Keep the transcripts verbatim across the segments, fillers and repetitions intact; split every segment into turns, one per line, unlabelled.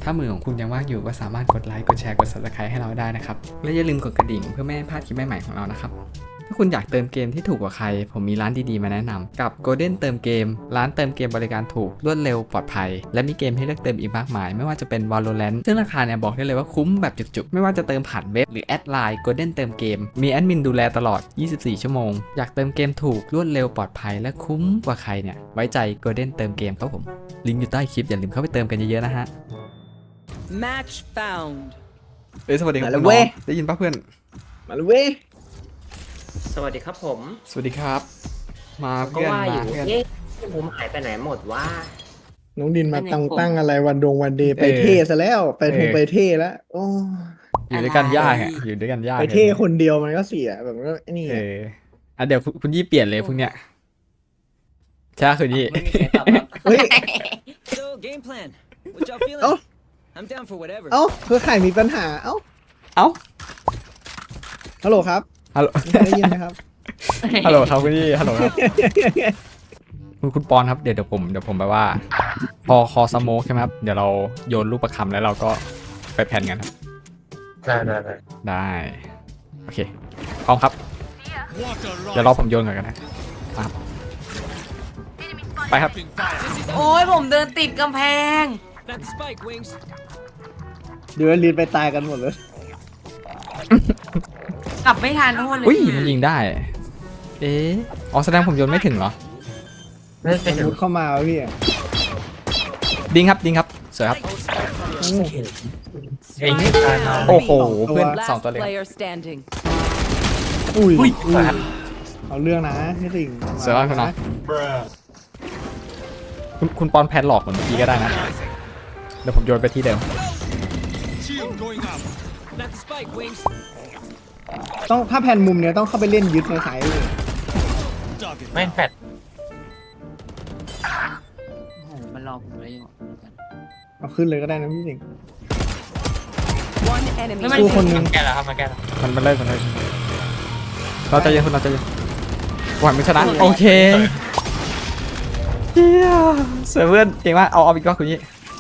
ถ้ามือของคุณยังว่างอยู่ก็สามารถกดไลค์กดแชร์กด ซับสไครบ์ ให้เราได้นะครับและอย่าลืมกดกระดิ่งเพื่อไม่ให้พลาดคลิปใหม่ๆของเรานะครับถ้าคุณอยากเติมเกมที่ถูกกว่าใครผมมีร้านดีๆมาแนะนำกับ Golden เติมเกมร้านเติมเกมบริการถูกรวดเร็วปลอดภัยและมีเกมให้เลือกเติมอีกมากมายไม่ว่าจะเป็น Valorant ซึ่งราคาเนี่ยบอกได้เลยว่าคุ้มแบบจุกๆไม่ว่าจะเติมผ่านเว็บหรือแอดไลน์ Golden เติมเกมมีแอดมินดูแลตลอดยี่สิบสี่ชั่วโมงอยากเติมเกมถูกรวดเร็วปลอดภัยและคุ้มกว่าใครเนี่ยไว้ใจ Golden เติมเกมครับผมลิงก์อยู่ใต้คลิปอย่าลืมเข้าไปเติมกันเยอะๆนะฮะ
Match found
เอ้ยสวัสดีครับ
มาแล้ว
น้
เว้
อง
ย
ได้ยินป่ะเพื่อน
มาเลยเว้ย
สวัสดีครับผม
สวัสดีครับ มา
ก็
เพื่อน
ว่าอ
มา
ยู่
เพื่อน
เอ๊ะผมหายไปไหนหมดว่า
น้องดินมา
เป็นไง
ตั้ง
ผม
ตั้งอะไรวันดงวันเดย์ไป
เออ
เท่ซะแล้วไปทง
เออ
ไปเท่แล้วโอ้
อยู่ด้วยกันยากอ่ะอยู่ด้วยกันยาก
ไปเท่คนเดียวมันก็เสียแบบก็ไอ้นี่
เอออ่ะเดี๋ยวคุณคุณยี่เปลี่ยนเลยพวกเนี้ยใช่คุณยี่
ไม่มีเสียงตอบรับ
เฮ้ย
So game plan what y'all feeling
เอ้า
I'm down for whatever
เอ้าเพื่อใครมีปัญหาเอ้า
เอ้า
ฮัลโหลครับ
ฮัลโหล
ได้ยินไหมครับ
ฮัลโหลครับคุณยี่ฮัลโหลครับคุณคุณปอนครับเดี๋ยวเดี๋ยวผมเดี๋ยวผมแบบว่า พอคอสโมกใช่ไหมครับเดี๋ยวเราโยนลูกประคำแล้วเราก็ไปแผ่นกันครับ
ได้ได้ได้
ได้โอเคพร้อมครับ เดี๋ยวรอผมโยนก่อนกันนะมาครับไปครับ
โอ้ยผมเดินติดกำแพง
Plant the spike wings
เดี๋ยวลีนไปตายกันหมดเลย
กลับไม่ทันโทษเลย
อุ้ยมันยิงได้ เอ๊ะอ๋อแสดงผมโยนไม่ถึงเหรอ
ไม่
ส
ใช่
ม
ถึง
มติเข้ามาวะพี่
ดิงครับดิงครับสวยครับ
โอ้
เองไม่ตายนะ
โอ้โหเพื่อนสอง
last
ตัวเลย
player standing
อุ้ย
อุ้ย
อุ้ยเอาเรื่องนะพี่สิงห์
สวยมากคุณน้องคุณคุณปอนแพนหลอกเหมือนเมื่อกี้ก็ได้นะ เดี๋ยวผมโยนไปที่เดิม
Plant the spike wings
ต้องถ้าแผ่นมุมเนี้ยต้องเข้าไปเล่นยึดในสายเลย
ไม่แฟด
โอ้โหมันรอผมเลยอยู่
เอาขึ้นเลยก็ได้นะพี่สิงห์
one enemy
แล้วมัน
สู้คนหนึง
แก้แล้วครับมาแก้แล้ว
มันมันเลิกมันเลิกเราใจเย็นคุณเราใจเย็นหวังไม่ชนะโอเคเฮียสวยเพื่อนเก่งมากเอาเอาอีกรอบคุณยี่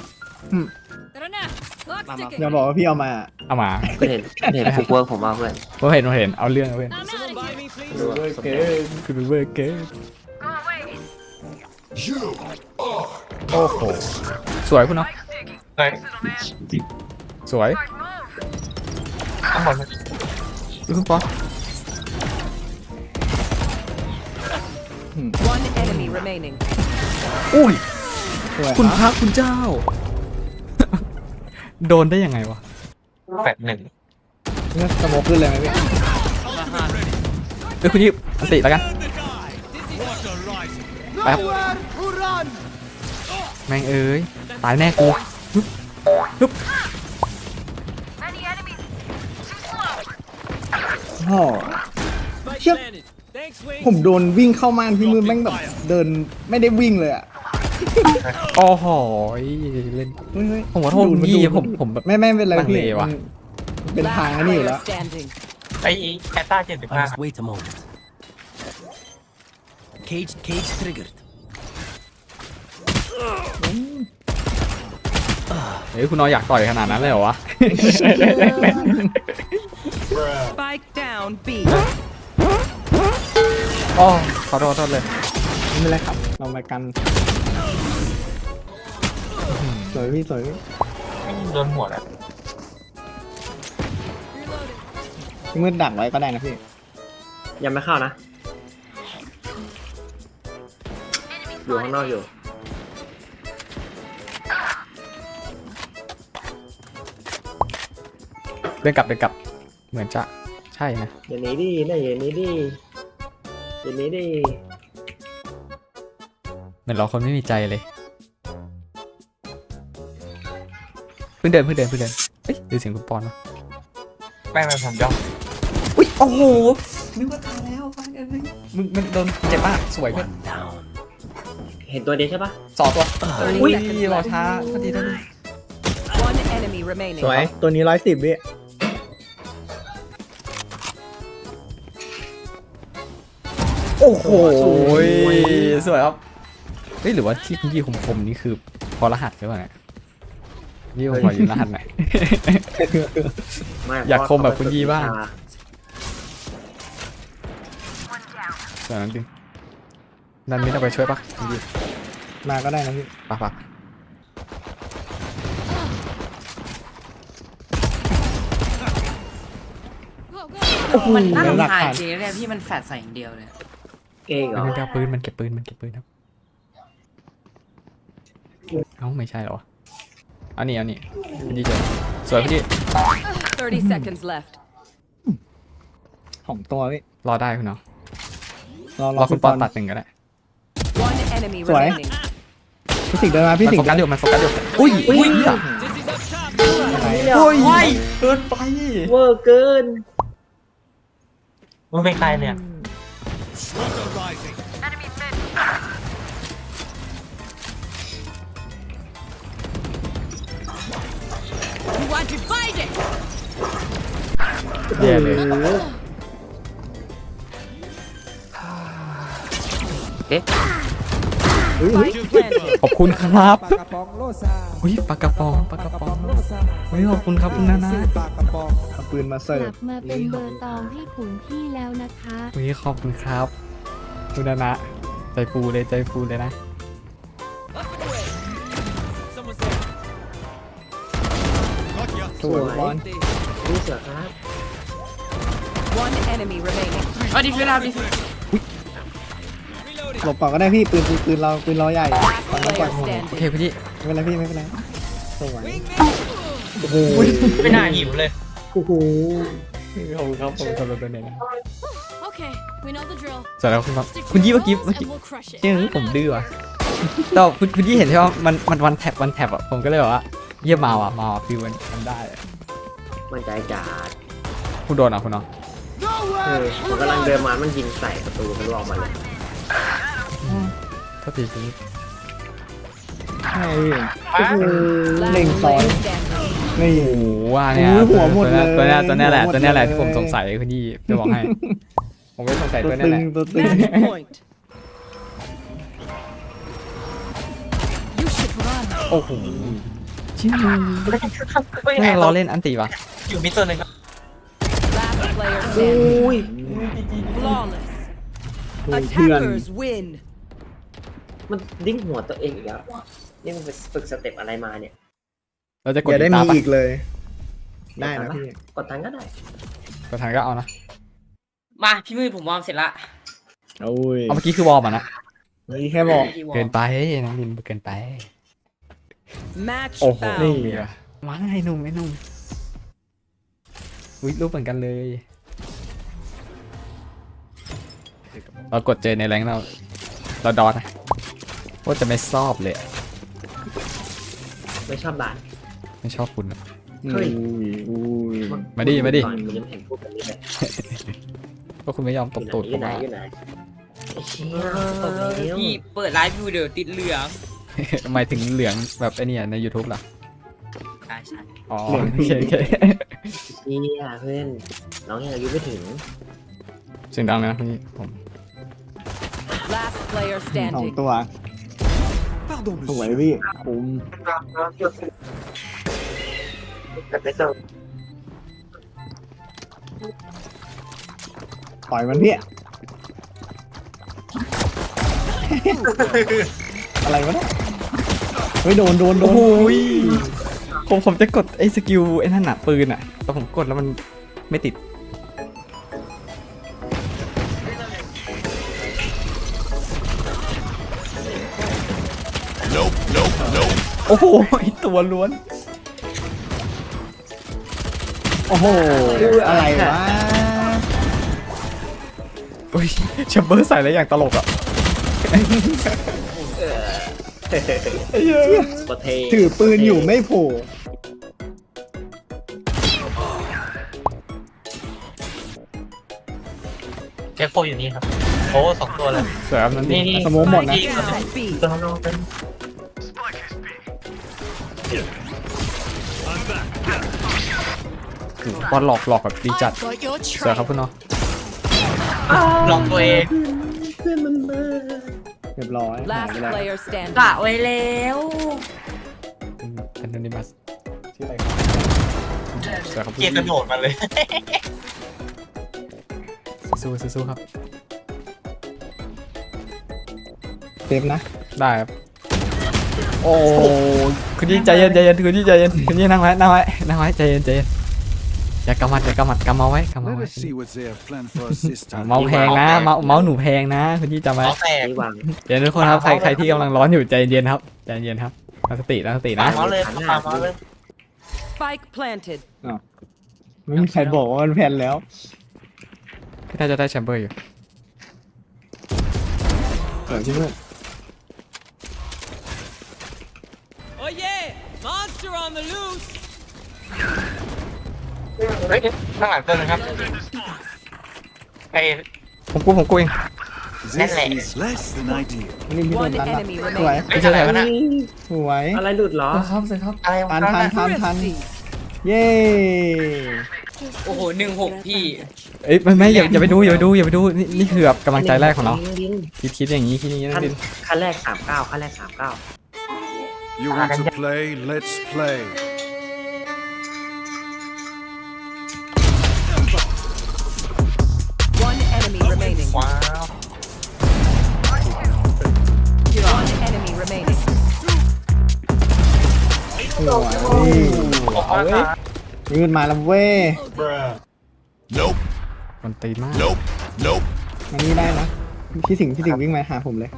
อย่าบอกว่าพี่เอามา
เอามา
ก็เห็นเห็นฟุกเวิร์กผมเอาเพื่อน
ผมเห็นผมเห็นเอาเรื่องเอาเพื่อน
someone buy me please
ดูว่าสนใจ
คือเวอร์เกอร์โอ้โหสวยคุณเนาะ
เฮ้ย
สวย
ทั้งหมด
ดูคุณปอน
one enemy remaining
อุ้ย
สวย
คุณ
รับ
พระคุณเจ้า โดนได้ยังไงวะ
แฟดหนึ่ง
เนี่ยสโมกขึ้นเลยไหมพี่
เอ้ยคุณยี่อันติแล้วกันไปครับแม่งเอ้ยตายแน่กูฮึบฮึบ
โอ้
spike
Yep.
planted thanks wings
ผมโดนวิ่งเข้าม่านพี่มือแม่งแบบเดินไม่ได้วิ่งเลยอ่ะ
โอ้โหเล่น
เฮ้ยเฮ้ย
ผมขอโทษ
ดูด
คุณยี่
ดูด
ผมผมแบบ
ไม่ไม่เป็นไร
ลัง
พี่
เลว่ะ
มันเป็นทางอันนี้อยู่
player
แล้ว
standing
ไอ้แอตต้าเจ็ดสิบห้า
Just wait a moment. Cage, cage triggered.
เฮ้ยคุณน้อยอยากต่อยขนาดนั้นเลยเหรอวะ
spike down B
อ๋อขอโทษขอโทษเลย
ไม่เป็นไรครับ เรามากันสวยพี่สวยพี่
โดนหัวแล้ว
พี่มืดดักไว้ก็ได้นะพี่
ยังไม่เข้านะ อยู่ข้างนอกอยู่
เดินกลับเดินกลับเหมือนจะใช่นะ
อย่างนี้ดินะอย่างนี้ดิอย่างนี้ดิ
เหมือนเราคนไม่มีใจเลยเพิ่งเดินเพิ่งเดินเพิ่งเดินเอ้ยดูเสียงคุณปอนวะ
ไม่ไม่ผมย่อง
อุ้ยโอ้โหนึกว่าตายแล้วฟังเอ้ยมึงมันโดนเจ็บมากสวยเพื่อน
One down.
เห็นตัวเดียวใช่ปะ
สองตัวอุ้ย
seconds
รอ
left
ช้าพอดีทัน
one enemy remaining
สวย ตัวนี้ร้อยสิบพี่
โอ้โหสวยครับเฮ้ยหรือว่าที่คุณยี่คมๆนี่คือพอรหัสหรือเปล่าเนี่ยยี่ผมขอยืนรหัสหน่อย
ไม่
อยากคมแบบคุณยี่บ้าง เดี๋ยวนั้นดิดันมิดเอาไปช่วยปะคุณยี่
มาก็ได้นะพี่
ปะปะ
มันน่า
หลัก
รำคาญ
ฐาน
จริงๆเลยพี่มันแฟดใส่อย่างเดียวเลย
เก่งเหรอ
มันเก็บปืนมันเก็บปืนมันเก็บปืนครับเอ้าไม่ใช่เหรอเอานี่เอานี่พี่ดีเจอสวยพี่ดี
thirty seconds left.
ของตัวพี่
รอได้คุณเนาะ
รอ
รอคุณปอนตัดหนึ่งก็ได้
One enemy
Sorry.
remaining.
พี่สิงห์เดินมาพี่
มัน
สิง
โฟ
ห์
กัสอยู่มันโฟกัสอยู่อุ้ยอุ้ย
Dizzy's up top.
โอ้ย
โอ้ย
เกินไป
เวอร์เกิน
มึงเป็นใครเนี่ย
You want to fight it?
แย่เลย
Spike planted.
ขอบคุณครับอุ้ยปากกระป๋องปากกระป๋องอุ้ยขอบคุณครับคุณนานะ
เอาปืนมา
ก
เสิร์
ลั
ฟ
บมาเป็นเบอร์ตองให้ขุนพี่แล้วนะคะ
อุ้ยขอบคุณครับคุณนานะใจฟูเลยใจฟูเลยนะ
สวยบอล
นี่เสือครับ
One enemy remaining.
เอาดิฟิลเอาดิฟิล
หลบก่อนก็ได้พี่ปืนปืนปืนเราปืนเราใหญ่ตอนนั้นก่อน
Player
โอเค
standing.
พี่ดี
ไม่เป็นไรพี่ไม่เป็นไรสวยโอ้โห
ไม่น่าหิวเลย
โอ้โห
ขอบคุณครับผมสำหรับตัวนี้นะ
Okay, we know the drill.
สวัสดีครับคุณครับ
Stick
คุณ
to
ยี่
your
เมื่อกี้
goals
เมื่อกี้
and we'll crush it.
เชื่อผมดื้อว่ะแต่คุณคุณยี่เห็นใช่ไหมมันมันวันแท็บวันแท็บอ่ะผมก็เลยบอกว่าเยี่ยมมาว่ะมาว่ะฟิวมันทำได้อะ
มันใจจัด
คุณโดนอ่ะคุณเนาะ
เออมันกำลังเดินมามันยิงใส่ประตูมันออกมาเลย
โทษทีคุณยี่
ใช่พี่
Last
Link
player
side.
standing.
นี่
โอ้โหว่าเนี่ย
โอ้ยหัวหมดเลย
ตัวเนี้ยตัวเนี้ยแหละ
หัวหมด
ตัวเนี้ยแหละ
เลย
ที่ผมสงสัยคุณยี่จะบอกให้ ผมไม่สงสัย
ตัว
ตัวเนี้ย
ตึ
แห
ง
ละ
ตัวตึง
Match point.
You should run.
โอ้โหชิ้นนึงแม่งเราเล่นอันตีปะ
อยู่มิดตัวหนึ่งครับ
Last player
โอ้
standing.
ย
Flawless.
เพื่อน
Attackers win.
มันดิ้งหัวตัวเองอีกแล้วนี่มันไปฝึกสเต็ปอะไรมาเนี่ย
เราจะกด
อย่าได้
ตา
มี
ปะ
อีกเลย ได้นะพี่
กดทันก็ได้
กดทางก็เอานะ
มาพี่มือผมวอร์มเสร็จละ
โอ้ย
เอาเมื่อกี้คือวอร์มอ่ะนะ
นี่แค่บอก
พี่วอ
เกิ
ร์
น
ม
ไปน้องลินเกินไป
Match
โอ้โห
found.
นี่
มาไอ้หนุ่มไอ้หนุ่มอุ้ยรูปเหมือนกันเลย เรากดเจอในแรงค์เราเราดอนนะว่าจะไม่ชอบเลยอะ
ไม่ชอบด่าน
ไม่ชอบคุณอะ
เฮ้ย
อุ้ยอุ้ย
มาดิมาดิ
ก่อนมันยังไม่เห็นพูดแบบนี้เลย
ก็คุณไม่ยอมตบตูด
อ
ผ
ยู่
ม
ไหน
อะ
อยู่ไหนไอ้เชี่ย
ตบเลยพี่เปิดไลฟ์วิวเดี๋ยวติดเหลือง
หมายถึงเหลืองแบบไอ้เนี่ยใน YouTube ล่ะ
ใช่ใช่
อ๋อโอเคโอเค
เชี่ยเพื่อนน้องยังอายุไม่ถึง
เสียงดังเลยนะพี่ผม
Last player
สอง
standing.
ตัวสวยพี่คุ้มปล่อยมันพี่ อะไรวะเนี่ยเฮ้ยโดนโดนโด
โอ้
น
โหยผมผมจะกดไอ้สกิลไอ้นั่นน่ะปืนอ่ะแต่ผมกดแล้วมันไม่ติดโอ้โหตัวล้วน
โอ้โหอะไรวะ
อุ้ยแชมเบอร์ใส่แล้วอย่างตลกอ่ะ
โคตรเท
ถือปืนอยู่ไม่โผล่
เจ็คโฟอยู่นี่ครับ โอ้สองตัวเลย
สวยครับนั่น
นี่
นี่
นี่
สมองหมดนะ
นี่
Down B.
ตัวน้องเป็น
บอลหลอกหลอกแบบดีจัด
I've got your
สวยครับ
trail.
คุณเนาะ
ลองตัวเอง
เรียบร้อยหาย
Last
ไปแล้ว
player standing.
กะไว้แล้ว
เป็นโนนิมัสสวยครับ
เกียร์กระโดดมาเลย
สู้สู้สู้ครับ
เซฟนะ
ได้ครับโอ้คุณยี่ใจเย็นใจเย็นคุณยี่ใจเย็นคุณยี่นั่งไว้นั่งไว้นั่งไว้ใจเย็นใจเย็นอย่ากำมัดอย่ากำมัดกำเมาไว้กำเมา
Let
ไว้
us see what they have planned for us this
อ่า
time.
เมาส์แพงนะเมาส์เมาส์หนูแพงนะคุณยี่จำไว้
เอาแตก
นี่วาง
เดี๋ยวทุกคนครับใครใครที่กำลังร้อนอยู่ใจเย็นครับใจเย็นครับตั้งสติตั้งสติ
ปา
นะ
เมาส์เลยปาเมาส์เลย
Spike planted.
ไม่มีใครบอกว่ามันแพนแล้ว
พี่น่าจะได้แชมเบอร์อยู่
เกิดที่นู่น
Oh yeah! Monster on the loose!
เฮ้ยข้างหลังตัวนึงครับไอ้
ผมกูผมกูเอง
This is less than ideal.
นี่พี่โดน
One
ตันละ
enemy
สวย
remaining.
ไม่ใช่อะไรวะน่ะ
สวย
อะไรหลุดเหรอ
ครับสิครับ
อะไรวะ
ทันทันทันทัน
Thrifty.
เย้
โอ้โหหนึ่งหกพี่
เอ้ยไม่ไม่อย่าอย่าไปดูอย่าไปดูอย่าไปดูนี่นี่คือแบบกำลังใจแรกของเรา
ดิ้ง
คิดคิดอย่างนี้คิดอย่างนี้นะ
ขั้น
ดิน
ขั้นแรกสามเก้าขั้นแรกสามเก้า
You want to play? Let's play.
One enemy remaining.
ว้าว
One enemy remaining.
สวย
ออกมาครับ
นี่มันมาแล้วเว้ย
Nope.
คนตีนมาก
Nope. Nope.
มันนี่ได้นะพี่สิงห์พี่สิงห์วิ่งมาหาผมเลย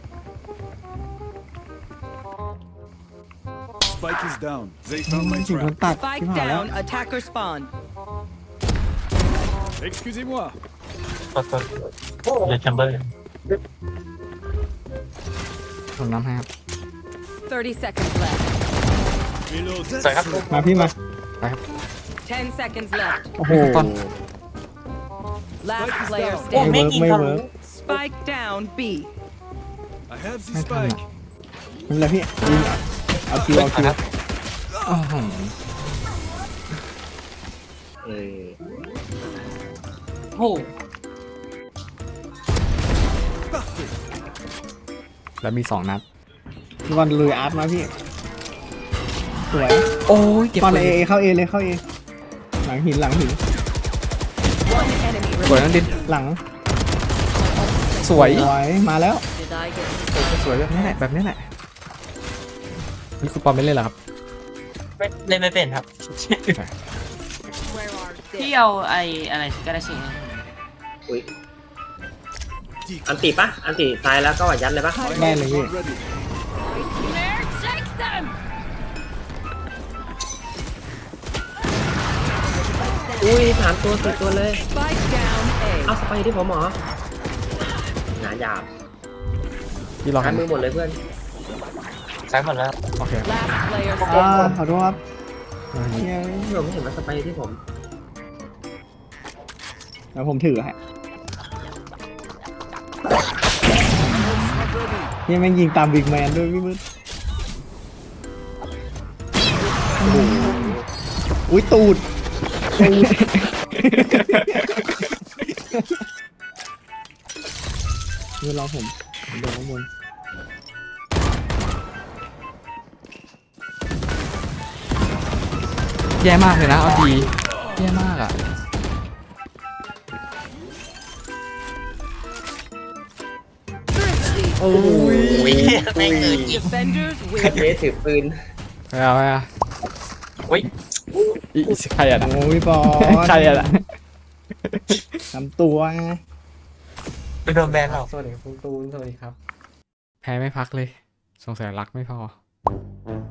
Spike is down. They found my
พี่สิงห์โดน
trap.
ตัด
Spike
ที่ผ่านแล้ว
down. Attacker spawn.
Excusez-moi.
กดกดเดี๋ยวแชมเบอร์
ผมน้ำให้ครับ
Thirty seconds left.
Reload.
สวยครับ
มาพี่มา
Ten seconds left.
โอ้โห
ตอน
Last player
โอ้
ไม่
standing.
เวิร์กไม่เวิร์ก
Spike down. B.
I have the
ไม่ทัน
spike.
อ่ะ
ไม่เป็นไรพี่ยิงเอาคิวเอาคิว
อ้าวโห
เออ
โอ้โห
แล้วมีสองนัด
พี่บอลลุยอาร์ตมาพี่สวย
โอ้ยเก็บบ
อล
เล
เอย เอเข้าเอเลยเข้าเอหลังหินหลังหิน
One enemy
สวย
remaining.
นะดิน
หลัง
สวย
สวยมาแล้ว
Did I get
สวยแบบนี้แหละแบบนี้แหละนี่คุณปอมไม่เล่นเหรอครับ
ไม่เล่นไม่เป็นครับ
พี่เอาไอ้อะไรก็ได้สิ
อุ้ยอันติปะอันติตายแล้วก็ยัดเลยปะ
ได้เลยพี่
Ready.
There, take them!
อุ้ยสามตัวสี่ตัวเลย
Spike down.
เอา
A.
สไปที่ผมเหรอหนาหยาบ
พี่รอ
ซ้า
กั
ย
น
มือหมดเลยเพื่อน
ซ้ายหมดแล้ว
โอเค
Last player
อ่า
standing.
ขอโทษครับเฮ้ย
ผมไม่เห็นว่าสไปที่ผม
แล้วผมถือฮะนี่แม่งยิงตามบิ๊กแมนด้วยพี่มืดโอ้โหอุ้ยตูดตูดเดี๋ยวรอผมผมเดินข้างบน
แย่มากเลยนะเอาดีแย่มากอ่ะ
Thrifty.
โอ้ย
อุ้ยแม่งเกินยิบ
Defenders
เบ
win.
สถือปืน
ไม่เอาไม่เอา
อุ้ย
อีอีใครอ่ะนะ
โอ้ยบอล
ใครอ่ะนะ
ทำตัว
ไปโดนแบนเรา
สวัสดีครับคุณตูนสวัสดีครับ แพ้ไม่พักเลย สงสัยรักไม่พอ